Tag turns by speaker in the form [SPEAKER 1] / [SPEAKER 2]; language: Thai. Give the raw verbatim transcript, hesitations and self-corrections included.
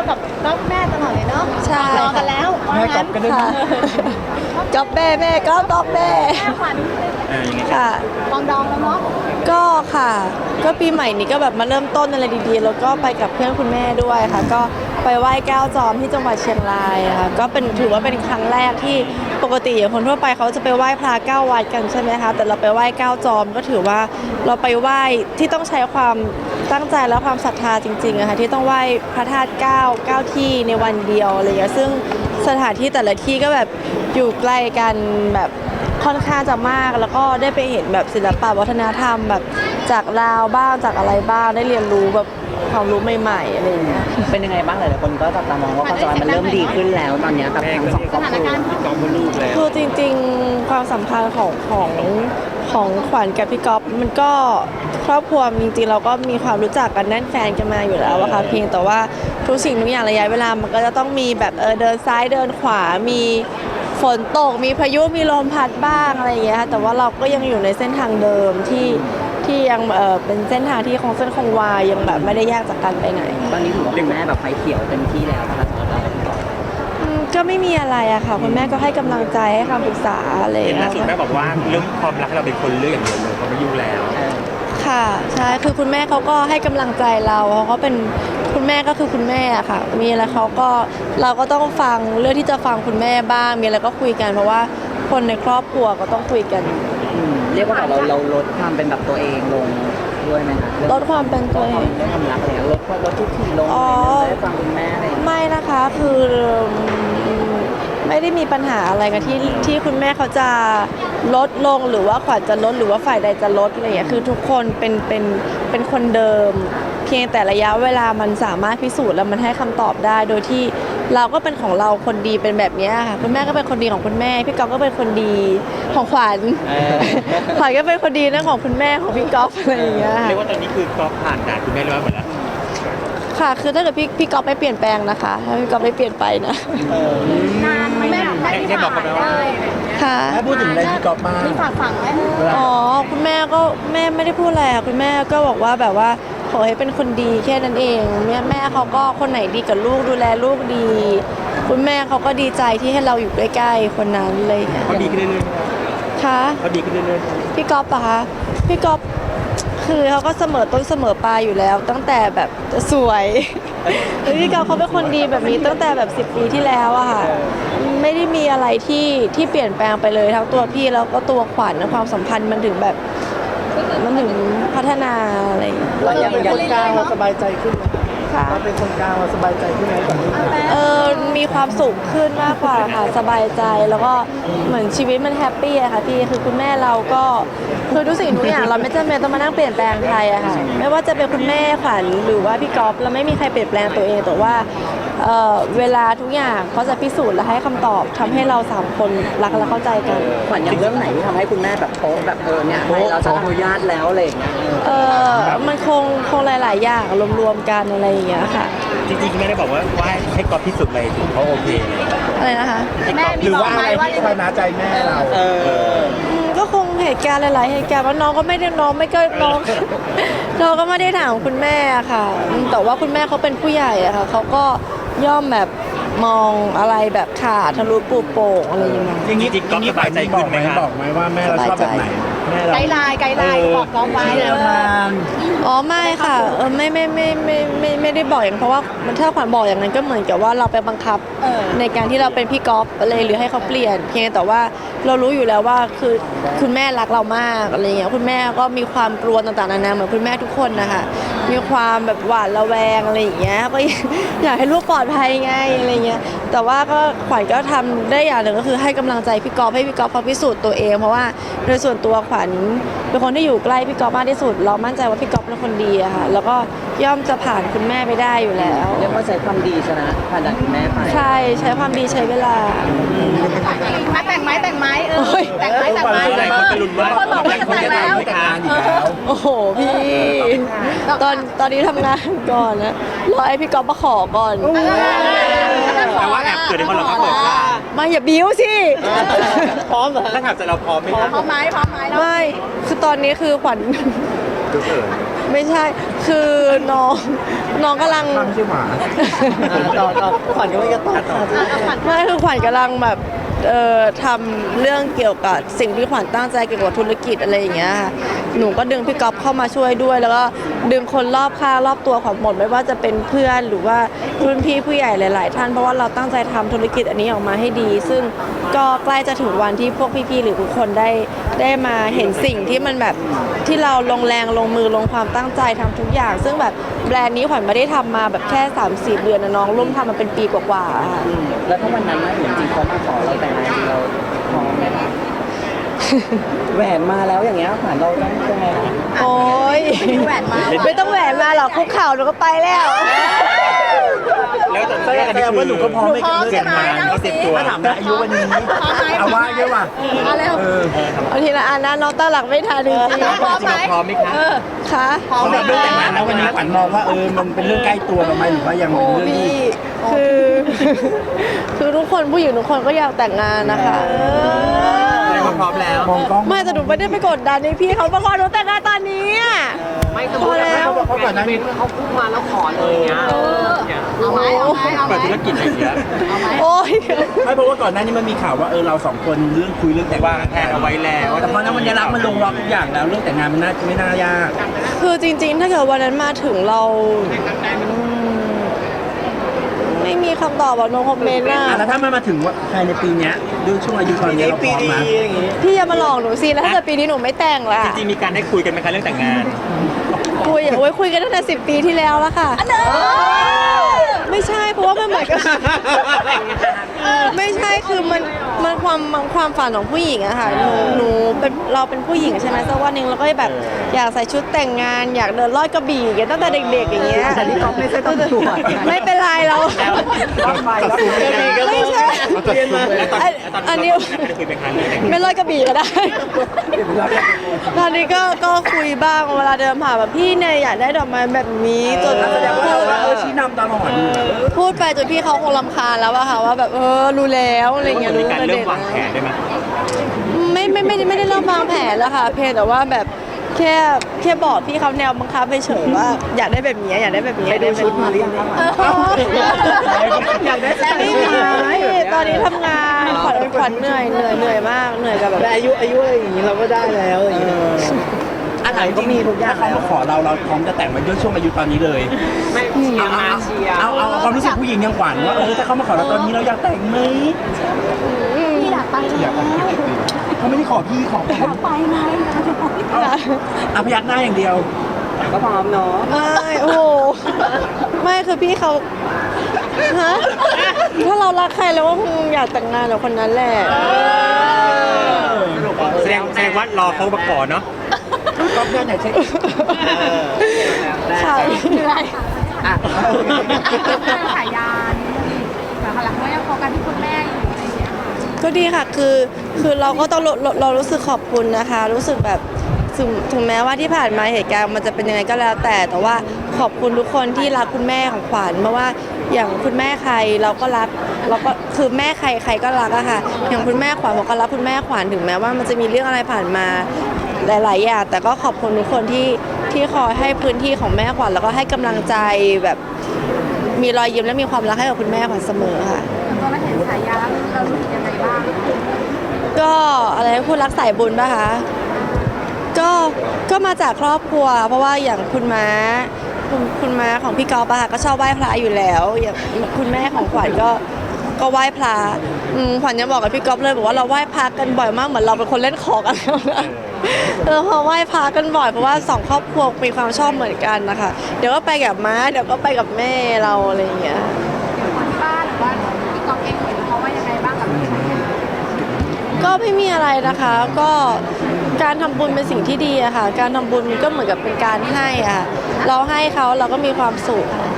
[SPEAKER 1] กับก๊อฟแม่ตลอดเลยเนาะ
[SPEAKER 2] ใช่
[SPEAKER 1] รอกันแล้วว่า
[SPEAKER 3] แม่กลั
[SPEAKER 1] งั้
[SPEAKER 3] บ
[SPEAKER 1] น
[SPEAKER 3] กันด้วย
[SPEAKER 2] ค่ะ
[SPEAKER 3] นะ
[SPEAKER 2] ก๊อฟแม่แม่ก็ก๊อฟแม่
[SPEAKER 1] แม่ขวัญ
[SPEAKER 4] เออยังไง
[SPEAKER 2] ค่ะ
[SPEAKER 1] ปองดองแล้วเนาะ
[SPEAKER 2] ก็ค่ะ ก็ปีใหม่นี้ก็แบบมาเริ่มต้นอะไรดีๆ แล้วก็ไปกับเพื่อนคุณแม่ด้วยค่ะ ก็ไปไหว้แก้วจอมที่จังหวัดเชียงรายค่ะก็เป็นถือว่าเป็นครั้งแรกที่ปกติคนทั่วไปเขาจะไปไหว้พระเก้าวัดกันใช่ไหมคะแต่เราไปไหว้แก้วจอมก็ถือว่าเราไปไหว้ที่ต้องใช้ความตั้งใจและความศรัทธาจริงๆอะค่ะที่ต้องไหว้พระธาตุเก้าเก้าที่ในวันเดียวอะไรอย่างเงี้ยซึ่งสถานที่แต่ละที่ก็แบบอยู่ใกล้กันแบบค่อนข้างจะมากแล้วก็ได้ไปเห็นแบบศิลปะวัฒนธรรมแบบจากลาวบ้างจากอะไรบ้างได้เรียนรู้แบบความรู้ใหม่ๆอะไรอย่างเงี้ย
[SPEAKER 5] เป็นยังไงบ้างหลายๆคนก็จับตามองว่าความสัมพันธ์มันเริ่มดีขึ้นแล้วตอนเนี้ยกับ
[SPEAKER 4] แม่
[SPEAKER 5] ทั้ง
[SPEAKER 4] ก็
[SPEAKER 5] สอง
[SPEAKER 4] เรียก
[SPEAKER 5] ครอบครัว
[SPEAKER 4] พี่ก๊อฟว่าลูกแล้ว
[SPEAKER 2] คือจริงๆความสัมพันธ์ของของของขวัญกับพี่ก๊อฟมันก็ครอบครัวจริงๆเราก็มีความรู้จักกันแน่นแฟนกันมาอยู่แล้วอะค่ะเพียงแต่ว่าทุกสิ่งทุกอย่างระยะเวลามันก็จะต้องมีแบบเออเดินซ้ายเดินขวามีฝนตกมีพายุมีลมพัดบ้างอะไรอย่างเงี้ยค่ะแต่ว่าเราก็ยังอยู่ในเส้นทางเดิมที่ที่ยังเออเป็นเส้นทางที่คงเส้นคงวายังแบบไม่ได้แยกจากกันไปไหน
[SPEAKER 5] ตอนนี้ถือว่าคุณแม่แบบไฟเขียวเต็มที่แล้วนะคะสำหรับเราพี่ก๊อฟ
[SPEAKER 2] อืมก็ไม่มีอะไรอะค่ะคุณแม่ก็ให้กำลังใจให้คำปรึกษาอะไรอย่า
[SPEAKER 4] เห็น
[SPEAKER 2] ง
[SPEAKER 4] ล่า
[SPEAKER 2] เงี้ย
[SPEAKER 4] สุดแม่บอกว่าเรื่องความรักเราเป็นคนเลือกอย่างเดียวเลยเขาไม่ยุ่งแล้ว
[SPEAKER 2] ค่ะใช่คือคุณแม่เขาก็ให้กำลังใจเราเขาก็เป็นคุณแม่ก็คือคุณแม่อะค่ะ มีอะไรเขาก็เราก็ต้องฟังเรื่องที่จะฟังคุณแม่บ้างมีอะไรก็คุยกันเพราะว่าคนในครอบครัวก็ต้องคุยกัน
[SPEAKER 5] อืมเรียกว่าเราเราลดความเป็นแบบตัวเองลงด้วยไหมคะ
[SPEAKER 2] ลดความเป็นตัวเอง
[SPEAKER 5] เรื่องความรักอะไรเงี้ยลดลดทุกทีลง
[SPEAKER 2] อ๋
[SPEAKER 5] อะไร
[SPEAKER 2] อ
[SPEAKER 5] เงี้ยได้ฟังคุณแม่อะไรอย่างเงี้ย
[SPEAKER 2] ไม่นะคะคือไม่ได้มีปัญหาอะไรกันที่ที่คุณแม่เขาจะลดลงหรือว่าขวัญจะลดหรือว่าฝ่ายใดจะลดอะไรอย่างเงี้ยคือทุกคนเป็นเป็นเป็นคนเดิม เพียงแต่ระยะเวลามันสามารถพิสูจน์แล้วมันให้คำตอบได้ โดยที่เราก็เป็นของเราคนดีเป็นแบบเนี้ยค่ะคุณแม่ก็เป็นคนดีของคุณแม่พี่ก๊อฟก็เป็นคนดีของขวัญ
[SPEAKER 5] เออ
[SPEAKER 2] ขวัญก็เป็นคนดีนะของคุณแม่ของพี่ก๊อฟอะไรอย่างเงี้ยค่ะ
[SPEAKER 4] เรียกว่าตอนนี้คือก๊อฟผ่านด่านคุณแม่เรียบร้อยหมดแล้ว
[SPEAKER 2] ค่ะคือถ้าเกิดพี่พี่ก๊อฟไม่เปลี่ยนแปลงนะคะถ้าพี่ก๊อฟไม่เปลี่ยนไปนะ
[SPEAKER 1] นานไหมแม่ได้ที่ผ่านได้
[SPEAKER 2] ค่ะ
[SPEAKER 3] แม่พูดถึงอะไรพี่ก๊อฟมาก
[SPEAKER 1] มีฝากฝังไหม
[SPEAKER 2] อ๋อคุณแม่ก็แม่ไม่ได้พูดอะไรอะคุณแม่ก็บอกว่าแบบว่าขอให้เป็นคนดีแค่นั้นเองแม่แม่เขาก็คนไหนดีกับลูกดูแลลูกดี คุณแม่เขาก็ดีใจที่ให้เราอยู่ใกล้ๆคนนั้นเลยค่ะ
[SPEAKER 4] เขาดีขึ้นเรื่อย
[SPEAKER 2] ค่ะ
[SPEAKER 4] ๆเขาดีขึ้นเรื่อย
[SPEAKER 2] พี่ก๊อฟปะคะพี่ก๊อฟคือเขาก็เสมอต้นเสมอปลายอยู่แล้ว ตั้งแต่แบบสวยคือพี่ก๊อฟเขาเป็นคนดีแบบนี้ตั้งแต่แบบสิบปีที่แล้วอะค่ะไม่ได้มีอะไรที่ที่เปลี่ยนแปลงไปเลยทั้งตัวพี่แล้วก็ตัวขวัญนะความสัมพันธ์มันถึงแบบมันถึงพัฒนาอะไรอย่างเงี้ย
[SPEAKER 3] เราเป็นคนกลางเราสบายใจขึ้นไหม
[SPEAKER 2] ค่ะ
[SPEAKER 3] เราเป็นคนกลางเราสบายใจขึ้นไหมก่อนที่จะ
[SPEAKER 2] เออมีความสุขขึ้นมากกว่าค่ะสบายใจแล้วก็เหมือนชีวิตมันแฮปปี้อะค่ะพี่คือคุณแม่เราก็คือทุกสิ่งทุกอย่างเราไม่จำเป็นต้องมานั่งเปลี่ยนแปลงใครอะค่ะไม่ว่าจะเป็นคุณแม่ขวัญหรือว่าพี่ก๊อฟเราไม่มีใครเปลี่ยนแปลงตัวเองแต่ว่าเออเวลาทุกอย่างเขาจะพิสูจน์และให้คำตอบทำให้เราสามคนรักและเข้าใจกัน
[SPEAKER 5] ขวัญอย่างเรื่องไหนที่ทำให้คุณแม่แบบโป๊ะแบบเออเนี่ยให้เราจะอนุญาตแล้วอะไรอย่างเงี้ย
[SPEAKER 2] เออมันคงคงหลาย ๆ อย่างรวมๆกันอะไรอย่างเงี้ยค่ะ
[SPEAKER 4] จริงๆคุณแม่ได้บอกว่าว่าให้ก๊อฟที่สุดเลยถึงเขาโอเคเลย
[SPEAKER 2] อะไรนะคะ
[SPEAKER 1] แม่
[SPEAKER 3] ห
[SPEAKER 1] มี
[SPEAKER 3] รือบ
[SPEAKER 1] อ
[SPEAKER 3] ว่าก อะ
[SPEAKER 1] ไหม
[SPEAKER 3] ไร
[SPEAKER 1] ว่า
[SPEAKER 3] ที่คอยมาใจแม่เรา
[SPEAKER 5] เออ
[SPEAKER 2] อืมก็คงเหตุการณ์หลาย ๆ เหตุการณ์ว่าน้องก็ไม่ได้น้องไม่ก็น้อง น้องก็ไม่ได้ถามคุณแม่อะค่ะอืมแต่ว่าคุณแม่เขาเป็นผู้ใหญ่อะค่ะเขาก็ย่อมแบบมองอะไรแบบขาดทะลุปูโป่งอะไรอย่างเงี้ย
[SPEAKER 4] จริงๆก๊อฟสบายใจขึ้นไหมครับ
[SPEAKER 3] บอกไหมว่าแม่เราชอบแบบไหนแม่เรา
[SPEAKER 1] ไกด์ไลน์ไกด์ไลน์บอกก๊อฟไว้
[SPEAKER 3] แนวทาง
[SPEAKER 2] อ๋อไม่ค่ะเออไม่ไม่ไม่ไม่ไม่ไม่ได้บอกอย่างนั้นเพราะว่ามันถ้าขวัญบอกอย่างนั้นก็เหมือนกับว่าเราไปบังคับ
[SPEAKER 1] เออ
[SPEAKER 2] ในการที่เราเป็นพี่ก๊อฟอะไรหรือให้เขาเปลี่ยน เพียงแต่ว่าเรารู้อยู่แล้วว่าคือคุณแม่รักเรามากอะไรเงี้ยคุณแม่ก็มีความกลัวต่างๆนานาเหมือนคุณแม่ทุกคนนะคะมีความแบบหวาดระแวงอะไรอย่างเงี้ยก็ อยากให้ลูกปลอดภัยไงอะไรเงี้ยแต่ว่าก็ขวัญก็ทำได้อย่างหนึ่งก็คือให้กำลังใจพี่ก๊อฟให้พี่ก๊อฟเขาพิสูจน์ตัวเองเพราะว่าโดยส่วนตัวขวัญเป็นคนที่อยู่ใกล้พี่ก๊อฟมากที่สุด เรามั่นใจว่าพี่ก๊อฟเป็นคนดีอะค่ะแล้วก็ย่อมจะผ่านคุณแม่ไปได้อยู่แล้ว
[SPEAKER 5] เรียกว่าใช้ความดีชนะผ่านจากคุณแม่ไป
[SPEAKER 2] ใช่ใช้ความดีใช้เวลา
[SPEAKER 1] มาแต่งไม้แต่งไม้เอ
[SPEAKER 2] โอ้
[SPEAKER 1] อย แต่งไม้แต่งไม้
[SPEAKER 4] หลายคนไปลุ้นว่า
[SPEAKER 1] คนบอกว่าจะแต่งแล้ว
[SPEAKER 4] แต่งงานอีก
[SPEAKER 2] โอ้โหพี่ตอนตอนนี้ทำงานก่อนนะรอไอพี่ก๊อฟมาขอก่อน
[SPEAKER 4] แต่ว่าแอบเกิดในคนเราก็เปิดว่า
[SPEAKER 2] มาอย่าบิ้วสิ
[SPEAKER 3] พร้อมเหรอ
[SPEAKER 4] ถ้าถามจะเราพร้อมไหมครับ
[SPEAKER 1] พร้อมไหมพร้อมไหมแล้ว
[SPEAKER 2] ไม่คือตอนนี้คือขวัญ
[SPEAKER 4] ดูเขิน
[SPEAKER 2] ไม่ใช่ คือน้องน้องกำลัง
[SPEAKER 3] ทำใช่หมา
[SPEAKER 5] ต่อต่อขวัญก็ไม่กระต่อ
[SPEAKER 2] ไม่คือขวัญกำลังแบบเอ่อทำเรื่องเกี่ยวกับสิ่งที่ขวัญตั้งใจเกี่ยวกับธุรกิจอะไรอย่างเงี้ยค่ะหนูก็ดึงพี่ก๊อฟเข้ามาช่วยด้วย แล้วก็ดึงคนรอบข้างรอบตัวขวัญหมดไม่ว่าจะเป็นเพื่อนหรือว่ารุ่นพี่ผู้ใหญ่หลาย ๆ ท่านเพราะว่าเราตั้งใจทำธุรกิจอันนี้ออกมาให้ดี ซึ่งก็ใกล้จะถึงวันที่พวกพี่ ๆ หรือทุกคนได้ได้มาเห็นสิ่งที่มันแบบที่เราลงแรงลงมือลงความตั้งใจทำทุกอย่าง ซึ่งแบบแบรนด์นี้ขวัญไม่ได้ทำมาแบบแค่สามสี่เดือนนะน้องร่วมทำมาเป็นปีกว่าๆอะค่ะ
[SPEAKER 5] แล้วถ้าวันนั้นนะอย่างจริงเขามาขอเราแต่งงานเราพร้อมไหมคะแหวนมาแล้วอย่างเงี้ยขวัญเราต้องยังไงคะ
[SPEAKER 2] โอ้ย
[SPEAKER 1] แหวนมา
[SPEAKER 2] ไม่ต้องแหวนมาหรอกคุกเข่าหนูก็ไปแล้ว
[SPEAKER 4] แล้วตอน
[SPEAKER 3] แสดง
[SPEAKER 4] อันนี้
[SPEAKER 3] ว่าหนูก็พร้อม
[SPEAKER 1] หนู
[SPEAKER 3] ไม่
[SPEAKER 1] พร้อม
[SPEAKER 3] เกิ
[SPEAKER 1] ใช่
[SPEAKER 3] น
[SPEAKER 1] ไหม
[SPEAKER 3] มา
[SPEAKER 1] เล่า
[SPEAKER 4] เขาเตรี
[SPEAKER 1] สิ
[SPEAKER 4] ยมตัว
[SPEAKER 3] ถ้าถามนะอายุวันนี้เอาว่าเยอะว่ะ
[SPEAKER 1] มาเร็ว
[SPEAKER 3] เออ
[SPEAKER 2] เอาทีละอันนะน้องตั้งหลักไม่ทันจริง
[SPEAKER 1] พร้อมไหม
[SPEAKER 4] พร้อมไหมคะ
[SPEAKER 1] เออ
[SPEAKER 2] ๆค่ะ
[SPEAKER 1] พร้อม
[SPEAKER 3] สำ
[SPEAKER 1] ไห
[SPEAKER 3] ห
[SPEAKER 1] ม
[SPEAKER 3] รับเรื่องแต่งงานแล้ววันนี้ขวัญมองว่าเออมันเป็นเรื่องใกล้ตัวเราไหมหรือว่ายัง
[SPEAKER 2] โอ้
[SPEAKER 3] เป็นเรื่อง
[SPEAKER 2] พี่
[SPEAKER 3] ที่
[SPEAKER 2] คือ คือทุกคนผู้หญิงทุกคนก็อยากแต่งงานนะคะ
[SPEAKER 4] แสดงว่าพร้อมแล้ว
[SPEAKER 3] มองกล้อง
[SPEAKER 2] ไม่แต่หนูไม่ได้ไปกดดันในพี่เขามาขอหนูแต่งงานตอนนี้อะ
[SPEAKER 5] ไม่สม
[SPEAKER 2] พ
[SPEAKER 5] ม
[SPEAKER 2] อ
[SPEAKER 5] ติ
[SPEAKER 2] แล้ว
[SPEAKER 3] เพราะก่อนหน้านี้
[SPEAKER 5] เขาพูดมาแล้วขอเลยอย่างเงี้ย
[SPEAKER 1] เออเอาไหมเอาไหมเอาไหม
[SPEAKER 4] เปิดธุรกิจอะไรอย่างเงี้ย
[SPEAKER 1] เอาไหม
[SPEAKER 2] โอ้ย
[SPEAKER 3] ไม่เพราะว่าก่อนหน้านี้มันมีข่าวว่าเออเราสองคนเรื่องคุยเรื่องแต่ง
[SPEAKER 4] วางแผนเอาไว้แล้ว
[SPEAKER 3] แต่พอนั้นวันนี้รักมันลงล็อกทุกอย่างแล้วเรื่องแต่งงานมันน่าไม่น่ายาก
[SPEAKER 2] คือจริงๆ ถ้าเกิดวันนั้นมาถึงเราอืมไม่มีคำตอบอะโนคอมเมนต์อะ
[SPEAKER 3] อ่ะแล้วถ้ามันมาถึงว่าภายในปีเนี้ยด้วยช่วงอายุตอนนี้เราพร้อมไหม
[SPEAKER 2] พี่อย่ามาหลอกหนูสิแล้วถ้าเกิดปีนี้หนูไม่แต่งล่ะ
[SPEAKER 4] จริงๆมีการได้คุยกันไหมคะเรื่องแต่งงาน
[SPEAKER 2] คุยโอ้ยคุยกันตั้งแต่สิบปีที่แล้วแล้วค่ะ ไม่ใช่เพราะว่ามันเหมือนกับ ไม่ใช่คือมันมันความมันความฝันของผู้หญิงอะค่ะหนูหนูเป็นเราเป็นผู้หญิงใช่ไหมสักวันหนึ่งเราก็แบบอยากใส่ชุดแต่งงาน อยากเดินลอดกระบี่อย่างเงี้ยตั้งแต่เด็กๆอย่างเงี้ย
[SPEAKER 5] แต่นี่เขาไม่ใช่ตำรวจ
[SPEAKER 2] ไม่เป็นไรเรา
[SPEAKER 3] รถไฟรถไฟ
[SPEAKER 2] ไม่ใช่
[SPEAKER 3] เรียนมา
[SPEAKER 4] แล้วตอน
[SPEAKER 2] อัน
[SPEAKER 4] แล้วตอน
[SPEAKER 2] อันนี้
[SPEAKER 4] ได้คุยเป็นครั้งแรก
[SPEAKER 2] ไม่ลอดกระบี่ก็ได้ ตอนนี้ก็ก็คุยบ้างเวลาเดินผ่านแบบพี่เนี่ยอยากได้ดอกไม้แบบนี้จน
[SPEAKER 3] แสดงว่า
[SPEAKER 2] พู
[SPEAKER 3] เรา
[SPEAKER 2] ด
[SPEAKER 3] ว่าเออชี้นำตลอด
[SPEAKER 2] พูดไปจนพี่เขาคงรำคาญแล้วอะค่ะว่าแบบเออรู้แล้วอะไรเงี้ย
[SPEAKER 4] มี
[SPEAKER 2] รู้
[SPEAKER 4] การ
[SPEAKER 2] ประ
[SPEAKER 4] เริ่
[SPEAKER 2] เด็
[SPEAKER 4] ม
[SPEAKER 2] น
[SPEAKER 4] วางแผนได้ไหม
[SPEAKER 2] ไม่ไม่ไม่ได้ไม่ได้เริ่มวางแผนแล้วค่ะ เพียงแต่ว่าแบบแค่แค่บอกพี่เขาแนวบังคับไปเฉยว่าอยากได้แบบนี้อยากได้แบบนี้
[SPEAKER 5] ไปดูชุดมาหรือยังคะ
[SPEAKER 2] อยากได้แต่ไม่มีตอนนี้ทำงานขวัญขวัญเหนื่อยเหนื่อยเหนื่อยมากเหนื่อยกับแบบ
[SPEAKER 5] แต่อายุอายุอะไรอย่างงี้เราก็ได้แล้วอย่างงี้
[SPEAKER 3] อะไรก็มีทุกอย่างเขามาขอเราเราพร้อมจะแต่งมาด้วยช่วงอายุตอนนี้เลย
[SPEAKER 5] ไม่เชียร์มาเชียร์
[SPEAKER 3] เอาเอาเอาความรู้สึกผู้หญิงยังขวัญว่าเออถ้าเขามาขอเราตอนนี้เราอยากแต่งไหม
[SPEAKER 1] พี่อยากไป
[SPEAKER 3] อยากแต่งเขาไม่ได้ขอพี่ขอผม
[SPEAKER 1] ไปไหม
[SPEAKER 3] เอาพยักหน้าอย่างเดียว
[SPEAKER 5] ก็พร้อมเนาะ
[SPEAKER 2] ไม่โอ้โหไม่คือพี่เขาฮะถ้าเรารักใครเราก็คงอยากแต่งงานกับคนนั้นแหละ
[SPEAKER 4] แสดงแสดงว่ารอเขามาขอเนาะ
[SPEAKER 3] ก็เพื่อนไหนเช็ค
[SPEAKER 2] ค่ะ
[SPEAKER 1] เหนื่อย
[SPEAKER 5] อ่ะ
[SPEAKER 1] ขายยานแต่หลังก็ยังโฟกัสที่คุณแม่อยู่อะไรอย่างเงี้ยค่ะ
[SPEAKER 2] ก็ดีค่ะคือคือเราก็ต้องเราเราเรารู้สึกขอบคุณนะคะ รู้สึกแบบถึงถึงแม้ว่าที่ผ่านมาเหตุการณ์มันจะเป็นยังไงก็แล้วแต่ แต่ว่าขอบคุณทุกคนที่รักคุณแม่ของขวัญเพราะว่าอย่างคุณแม่ใครเราก็รักเราก็คือแม่ใครใครก็รักอะค่ะอย่างคุณแม่ขวัญผมก็รักคุณแม่ขวัญถึงแม้ว่ามันจะมีเรื่องอะไรผ่านมาหลายๆอย่างแต่ก็ขอบคุณทุกคนที่ที่คอยให้พื้นที่ของแม่ขวัญแล้วก็ให้กำลังใจแบบมีรอยยิ้มและมีความรักให้กับคุณแม่ขวัญเสมอค่ะ
[SPEAKER 1] ตอนเราเห็นฉายาแล้วเรารู้สึกยังไงบ้าง
[SPEAKER 2] ก็อะไรพูดรักสายบุญป่ะคะก็ก็มาจากครอบครัว เพราะว่าอย่างคุณม้าคุณคุณม้าของพี่กอล์ฟอะค่ะก็ชอบไหว้พระอยู่แล้ว อย่างคุณแม่ของขวัญก็ก็ไหว้พระอืมขวัญยังบอกกับพี่กอล์ฟเลยบอกว่าเราไหว้พระกันบ่อยมากเหมือนเราเป็นคนเล่นของกันแล้วนะเออพอไหว้พระกันบ่อยเพราะว่าสองครอบครัวมีความชอบเหมือนกันนะคะเดี๋ยวก็ไปกับม้าเดี๋ยวก็ไปกับแม่เราอะไรอย่างเงี้ย
[SPEAKER 1] อย่างคนที่บ้านหรือว่าพี่กองเองเห็นเขาว่ายังไงบ้างกับเรื่องนี้
[SPEAKER 2] ก็ไม่มีอะไรนะคะ ก็การทำบุญเป็นสิ่งที่ดีอะค่ะ การทำบุญมันก็เหมือนกับเป็นการให้อะค่ะเราให้เขาเราก็มีความสุข